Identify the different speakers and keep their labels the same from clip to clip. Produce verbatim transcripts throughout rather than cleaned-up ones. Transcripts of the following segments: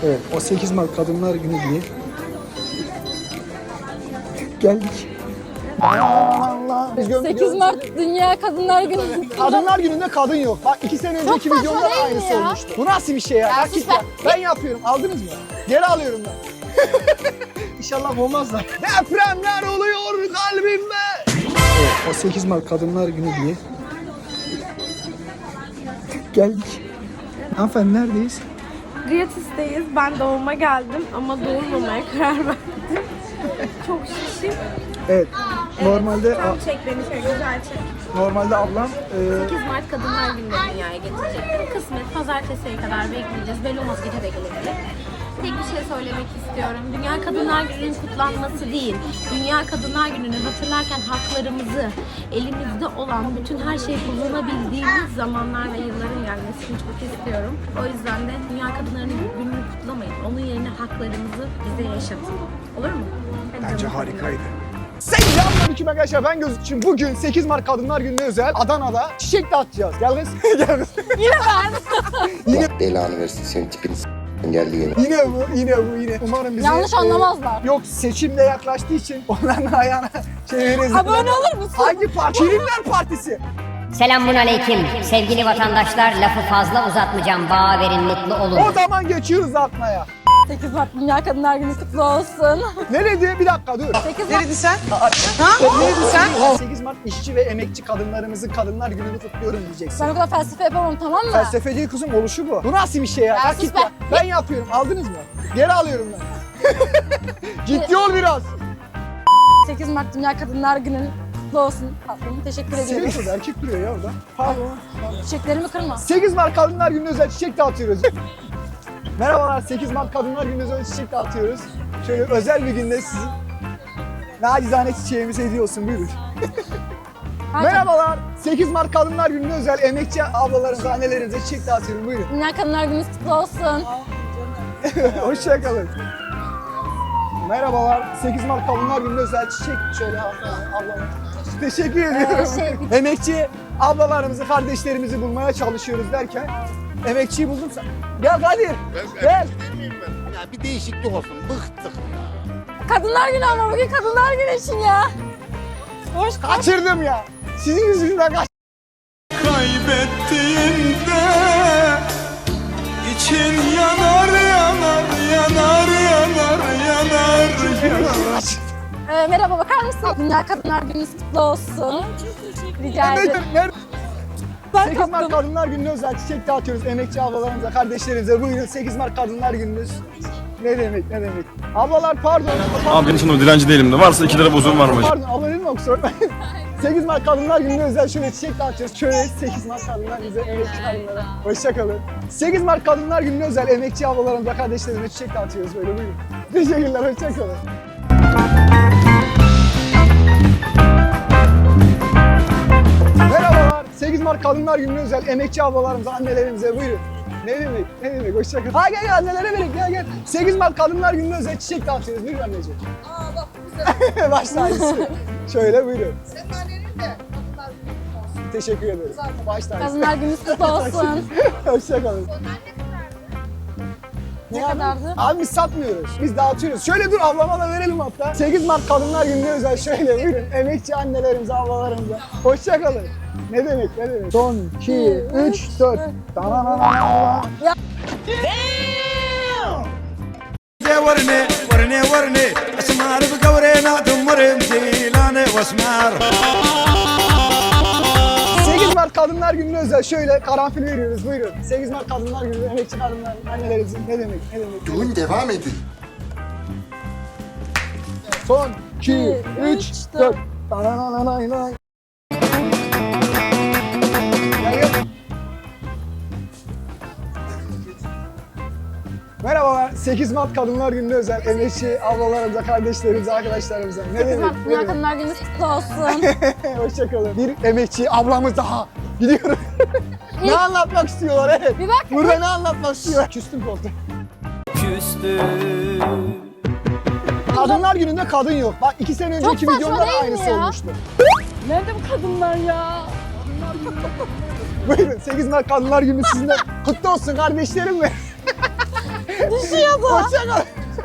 Speaker 1: Evet, o sekiz Mart Kadınlar Günü diye geldik. Allah.
Speaker 2: sekiz Mart Dünya Kadınlar Günü.
Speaker 1: Kadınlar Günü'nde kadın yok. Bak iki sene önceki
Speaker 2: saçma
Speaker 1: videomda da
Speaker 2: değil mi
Speaker 1: aynısı
Speaker 2: ya?
Speaker 1: olmuştu. Bu nasıl bir şey ya?
Speaker 2: Ya
Speaker 1: Ya
Speaker 2: sus
Speaker 1: git
Speaker 2: be.
Speaker 1: ya. Ben yapıyorum. Aldınız mı? Geri alıyorum ben. İnşallah olmazlar. Depremler oluyor kalbimde. Evet, o sekiz Mart Kadınlar Günü diye geldik. Hanımefendi neredeyiz?
Speaker 3: Gratis'teyiz. Ben doğuma geldim ama doğurmamaya karar verdim. Çok şişim.
Speaker 1: Evet. Normalde
Speaker 3: Tam çek beni şöyle güzel çek.
Speaker 1: normalde ablam e,
Speaker 3: sekiz Mart Kadınlar Günü'nde dünyaya getirecektim. Kısmet pazartesiye kadar bekleyeceğiz. Belli olmaz gece de gelebilir. Tek bir şey söylemek istiyorum. Dünya Kadınlar Günü'nün kutlanması değil. Dünya Kadınlar Günü'nü hatırlarken haklarımızı, elimizde olan bütün her şeyi kullanabildiğimiz zamanlar ve yılların gelmesini çok istiyorum. O yüzden de Dünya Kadınlar Günü'nü kutlamayın. Onun yerine haklarımızı bize yaşatın. Olur mu? Hadi
Speaker 1: bence
Speaker 3: canım.
Speaker 1: harikaydı. Selamünaleyküm arkadaşlar, ben Gözükçüm. Bugün sekiz Mart Kadınlar Günü'ne özel Adana'da çiçek dağıtacağız. Gel kız. Gel kız.
Speaker 4: Allah belanı versin, senin tipini s*** geldi yine.
Speaker 1: Yine bu, yine bu, yine. Umarım bizi...
Speaker 2: Yanlış anlamazlar.
Speaker 1: Yok, seçimde yaklaştığı için onların ayağına çeviririz.
Speaker 2: Abone olur musun?
Speaker 1: Hangi parti? Şirinler Partisi.
Speaker 5: Selamun aleyküm. Sevgili vatandaşlar, lafı fazla uzatmayacağım. Bağa verin, mutlu olun.
Speaker 1: O zaman geçiyoruz atmaya.
Speaker 2: sekiz Mart Dünya Kadınlar Günü kutlu olsun.
Speaker 1: Ne dedi? Bir dakika dur.
Speaker 2: sekiz Mart.
Speaker 1: sen? Ha? Ne dedin sen? sekiz Mart işçi ve emekçi kadınlarımızın Kadınlar Günü'nü kutluyorum diyeceksin.
Speaker 2: Ben o kadar felsefe yapamam, tamam mı?
Speaker 1: Felsefe değil kızım, oluşu bu. Bu nasıl bir şey ya?
Speaker 2: Ya
Speaker 1: Bak
Speaker 2: sus
Speaker 1: git
Speaker 2: be.
Speaker 1: ya. Ben yapıyorum. Aldınız mı? Geri alıyorum ben. Ciddi ol biraz.
Speaker 2: sekiz Mart Dünya Kadınlar Günü kutlu olsun. Tatlım, teşekkür ediyorum.
Speaker 1: Senin kız erkek duruyor ya orada. Pardon.
Speaker 2: Çiçeklerimi kırma.
Speaker 1: sekiz Mart Kadınlar Günü'ne özel çiçek dağıtıyoruz. Merhabalar, sekiz Mart Kadınlar Günü'ne özel çiçek dağıtıyoruz. Şöyle özel bir günde sizin nacizane çiçeğimizi hediye olsun, buyurun. Merhabalar, sekiz Mart Kadınlar Günü'ne özel emekçi ablalarımıza, annelerimize çiçek dağıtıyorum, buyurun.
Speaker 2: Dünya Kadınlar Günü kutlu olsun.
Speaker 1: Hoşçakalın. Merhabalar, sekiz Mart Kadınlar Günü'ne özel çiçek şöyle ablama. Teşekkür ediyorum.
Speaker 2: Ee, şey,
Speaker 1: Emekçi ablalarımızı, kardeşlerimizi bulmaya çalışıyoruz derken emekçiyi buldum sen. Gel Kadir, gel.
Speaker 4: Ya bir değişiklik olsun, bıktık.
Speaker 2: Kadınlar Günü ama bugün Kadınlar Günü için ya. Hoş
Speaker 1: Kaçırdım ya. Sizin yüzünüzden kaç.
Speaker 6: Kaybettiğinde için yanar yanar yanar yanar yanar yanar.
Speaker 2: Ee, merhaba, bakar mısın? Dünya Kadınlar Günü kutlu olsun. Rica ederim.
Speaker 1: Nerede? Nerede?
Speaker 2: Ben
Speaker 1: sekiz Mart
Speaker 2: kaptım.
Speaker 1: Kadınlar Günü'ne özel çiçek dağıtıyoruz emekçi ablalarımıza, kardeşlerimize. Buyurun, sekiz Mart Kadınlar Günü'nüz. Ne demek, ne demek. Ablalar pardon.
Speaker 6: Abi benim sana dilenci değilim de varsa iki lira bozuğum var mı?
Speaker 1: Pardon, abla değil mi kusura bakmayın. sekiz Mart Kadınlar Günü'ne özel şöyle çiçek dağıtıyoruz. Şöyle sekiz Mart Kadınlar bize, emekçi kadınlara. Hoşçakalın. sekiz Mart Kadınlar Günü'ne özel emekçi ablalarımıza, kardeşlerimize çiçek dağıtıyoruz böyle, buyurun. Teşekkürler, hoşçakalın. Merhabalar, sekiz Mart Kadınlar Günü'ne özel emekçi ablalarımıza, annelerimize buyurun. Ne demek, ne demek, hoşçakalın. Ha gel gel, annelere verin, gel gel. sekiz Mart Kadınlar Günü'ne özel çiçek dağıtıyoruz, buyurun anneciğim. Aa bak bu güzel. Baş tacısı. Şöyle buyurun. Senin annenin de Kadınlar Günü olsun. Teşekkür ederim. Baş tacısı.
Speaker 2: Kadınlar Günü kutlu olsun.
Speaker 1: Hoşçakalın.
Speaker 2: Ne kadardı?
Speaker 1: Abi biz satmıyoruz, biz dağıtıyoruz. Şöyle dur, ablama da verelim hatta. sekiz Mart Kadınlar Günü'ne özel şöyle buyurun. Emekçi annelerimize, ablalarımıza. Hoşçakalın. Ne demek, ne demek. Son, iki, üç, dört. Tananana.
Speaker 6: ورني ورني ورني اسمار بقورينا دمرم جيلاني واسمار.
Speaker 1: sekiz Mart Kadınlar Günü'ne özel şöyle karanfil veriyoruz, buyurun. sekiz Mart Kadınlar Günü, emekçi kadınlar, annelerimizin. Ne demek, ne demek.
Speaker 4: Düğün devam edin.
Speaker 1: Son, iki, üç, dört. Tananana. Merhabalar, sekiz Mart Kadınlar Günü'ne özel emekçi ablalarımıza, kardeşlerimize, arkadaşlarımıza. Ne
Speaker 2: sekiz
Speaker 1: demek?
Speaker 2: Mart
Speaker 1: Ne
Speaker 2: Dünya
Speaker 1: demek?
Speaker 2: Kadınlar Günü kutlu olsun.
Speaker 1: Hoşçakalın. Bir emekçi ablamız daha. Gidiyoruz. Ne anlatmak istiyorlar, evet.
Speaker 2: Bir bak.
Speaker 1: Burada ne anlatmak istiyorlar? Küstüm koltuğa.
Speaker 6: Küstüm.
Speaker 1: Kadınlar Günü'nde kadın yok. Bak iki sene önceki
Speaker 2: saçma
Speaker 1: videomda da
Speaker 2: değil mi
Speaker 1: aynısı
Speaker 2: ya?
Speaker 1: olmuştu.
Speaker 2: Nerede bu kadınlar ya?
Speaker 1: Buyurun, sekiz Mart Kadınlar Günü sizinle kutlu olsun kardeşlerim mi?
Speaker 2: Düşüyordu.
Speaker 1: Hoşçakal.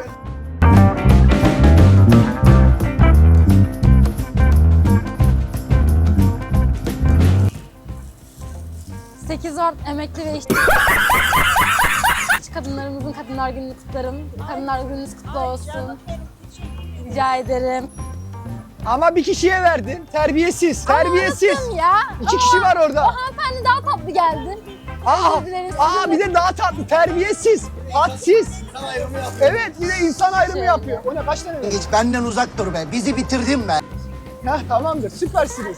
Speaker 2: sekiz Mart emekli ve işçi kadınlarımızın Kadınlar Günü'nü kutlarım. Kadınlar Gününüz kutlu olsun. Rica ederim.
Speaker 1: Ama bir kişiye verdin. Terbiyesiz. Terbiyesiz.
Speaker 2: Anlattım ya.
Speaker 1: İki kişi var orada.
Speaker 2: O hanımefendi daha tatlı geldi.
Speaker 1: Aa,
Speaker 2: Özür dilerim,
Speaker 1: aa
Speaker 2: özür
Speaker 1: bir de daha tatlı. Terbiyesiz. Hadsiz. Evet bir de insan ayrımı
Speaker 2: Şey.
Speaker 1: yapıyor. O ne kaç tane verdin?
Speaker 7: Hiç benden uzak dur be. Bizi bitirdin be.
Speaker 1: Heh, tamamdır. Süpersiniz.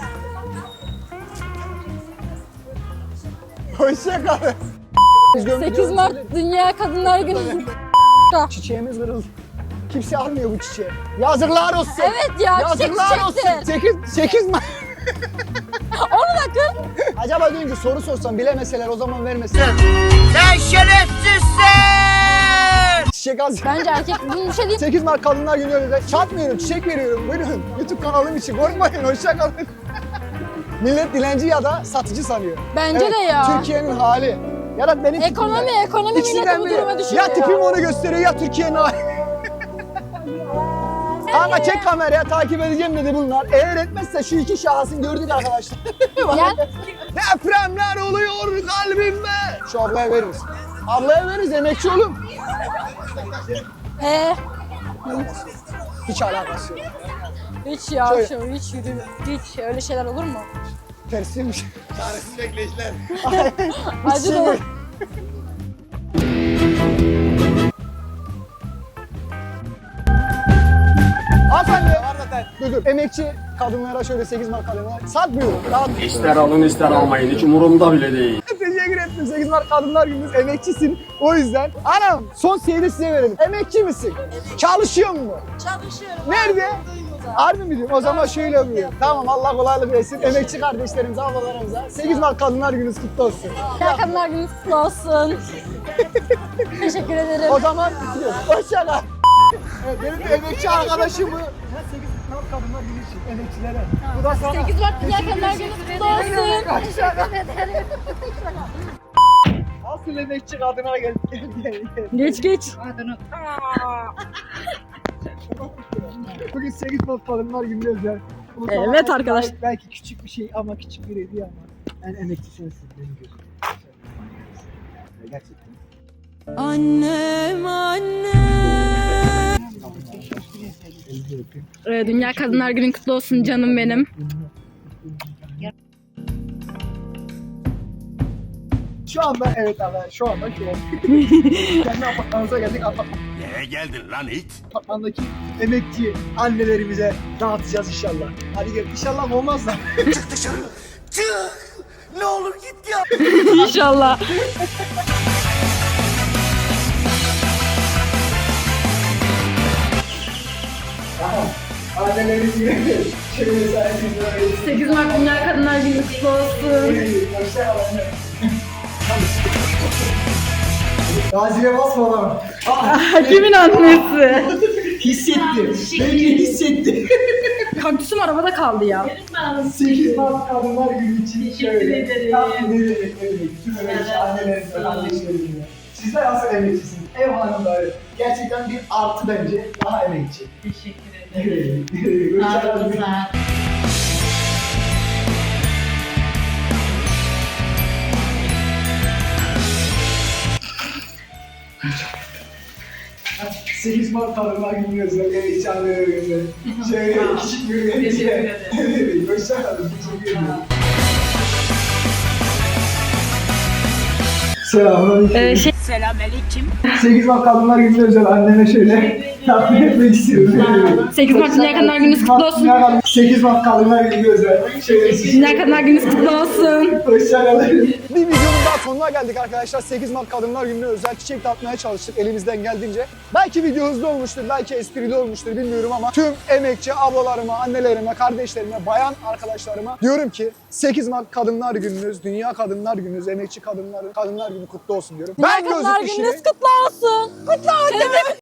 Speaker 1: Hoşçakalın.
Speaker 2: sekiz Mart Dünya Kadınlar Günü.
Speaker 1: Çiçeğimiz kırıldı. Kimse almıyor bu çiçeği. Yazıklar olsun.
Speaker 2: Evet ya, çiçek
Speaker 1: Yazıklar olsun.
Speaker 2: çiçektir.
Speaker 1: sekiz, sekiz Mart.
Speaker 2: Onu da kır.
Speaker 1: Acaba diyorum ki soru sorsam bilemeseler o zaman vermeseler.
Speaker 7: Sen şerefsizsin!
Speaker 1: Çiçek az.
Speaker 2: Bence erkek bunun bir şey değil.
Speaker 1: sekiz Mart Kadınlar Günü öyle de çatmıyorum, çiçek veriyorum. Buyurun. YouTube kanalım için korkmayın. Hoşçakalın. Millet dilenci ya da satıcı sanıyor.
Speaker 2: Bence de ya.
Speaker 1: Türkiye'nin hali. Ya da benim
Speaker 2: Ekonomi,
Speaker 1: tipim
Speaker 2: ekonomi
Speaker 1: İkisinden
Speaker 2: milleti bu
Speaker 1: biri.
Speaker 2: duruma düşürüyor.
Speaker 1: Ya tipim onu gösteriyor ya Türkiye'nin hali. Kanka çek kameraya takip edeceğim dedi bunlar. Eğer etmezse şu iki şahsın gördük arkadaşlar.
Speaker 2: Gel.
Speaker 1: Depremler oluyor kalbimde. Şu ablaya veririz. Ablaya veririz emekçi oğlum.
Speaker 2: Ee,
Speaker 1: Hiç alakası yok.
Speaker 2: hiç ya,
Speaker 1: Şöyle.
Speaker 2: şu, hiç yürü, hiç öyle şeyler olur mu?
Speaker 1: Tersiymiş.
Speaker 6: Çaresiz bekleyişler.
Speaker 2: Acı da.
Speaker 1: Hanımefendi. Dur dur. Emekçi kadınlara şöyle sekiz Mart kadınlara satmıyorum. Rahat.
Speaker 8: İster alın ister almayın hiç umurumda bile değil.
Speaker 1: Teşekkür ettim. sekiz Mart Kadınlar Günü'nüz emekçisin. O yüzden. Anam son seyri size verelim. Emekçi misin? Çalışıyor mu?
Speaker 2: Çalışıyorum.
Speaker 1: Nerede? Harbi mi diyorum? O zaman şöyle yapıyorum. Tamam Allah kolaylık versin. Emekçi kardeşlerimize, ablalarımıza sekiz Mart Kadınlar Günü'nüz kutlu olsun.
Speaker 2: Ya Kadınlar Günü kutlu olsun. Teşekkür ederim.
Speaker 1: O zaman bitiriyoruz. Hoşça kal. Evet, benim bir emekçi arkadaşım bu. sekiz Mart Kadınlar Günü için emekçilere. Bu da sana.
Speaker 2: sekiz Mart Dünya Kadınlar Günü kutlu olsun.
Speaker 1: Hoşça kal. Asıl emekçi kadına gel. Gel gel gel.
Speaker 2: Geç geç.
Speaker 1: Bugün sekiz Mart Kadınlar Günü özel. Bu
Speaker 2: Evet
Speaker 1: sana
Speaker 2: arkadaş.
Speaker 1: Belki, belki küçük bir şey ama küçük bir hediye ama. Yani emekçi sensin benim gözüm. Gerçekten.
Speaker 2: Annem annem. Ee, Dünya Kadınlar Günü kutlu olsun canım benim.
Speaker 1: Şu anda evet abi şu anda şu an. Kendi apartmanımıza geldik. Apart-
Speaker 6: Nereye geldin lan it?
Speaker 1: Apartmandaki emekçi annelerimize dağıtacağız inşallah. Hadi gel inşallah olmaz da.
Speaker 7: Çık dışarı. Çık. Ne olur git ya.
Speaker 2: İnşallah.
Speaker 1: Tamam. Annelerimiz gibi. Şöyle saygınlar.
Speaker 2: sekiz Mart Dünya Kadınlar Günü kutlu olsun.
Speaker 1: Hoşçakalın. Gazi'ye basma lan.
Speaker 2: Kimin annesi?
Speaker 1: Hissetti. Belki hissetti.
Speaker 2: Kaktüsüm arabada kaldı ya.
Speaker 1: sekiz Mart Kadınlar Günü için şöyle. Tam ne demek ne demek. Tüm emekçi annelerimize, kardeşlerimize. Sizler asıl emekçisiniz. Ev hanımları. Gerçekten bir artı bence. Daha emekçi. Teşekkür ederim. Hoşçakalın. sekiz Mart Kadınlar Günü özel emekçi annelerimize. Şöyle küçük bir hediye. Evet, hoşçakalın. Teşekkür ederim. Selamünaleyküm.
Speaker 2: Ee, şey,
Speaker 1: sekiz Mart Kadınlar Günü özel anneme şöyle takdim etmek istiyorum.
Speaker 2: sekiz Mart Dünya Kadınlar Günü kutlu olsun.
Speaker 1: sekiz Mart Kadınlar Günü özel. Şöyle
Speaker 2: Dünya Kadınlar Günü kutlu olsun.
Speaker 1: Hoşçakalın. Bir videonun daha sonuna geldik arkadaşlar. sekiz Mart Kadınlar Günü'ne özel çiçek dağıtmaya çalıştık elimizden geldiğince. Belki video hızlı olmuştur, belki esprili olmuştur bilmiyorum ama tüm emekçi ablalarıma, annelerime, kardeşlerime, bayan arkadaşlarıma diyorum ki sekiz Mart Kadınlar Gününüz, Dünya Kadınlar Gününüz, emekçi kadınların Kadınlar Günü kutlu olsun diyorum.
Speaker 2: Dünya Kadınlar
Speaker 1: gözlük
Speaker 2: Gününüz
Speaker 1: işini-
Speaker 2: kutlu olsun. Kutlu olsun.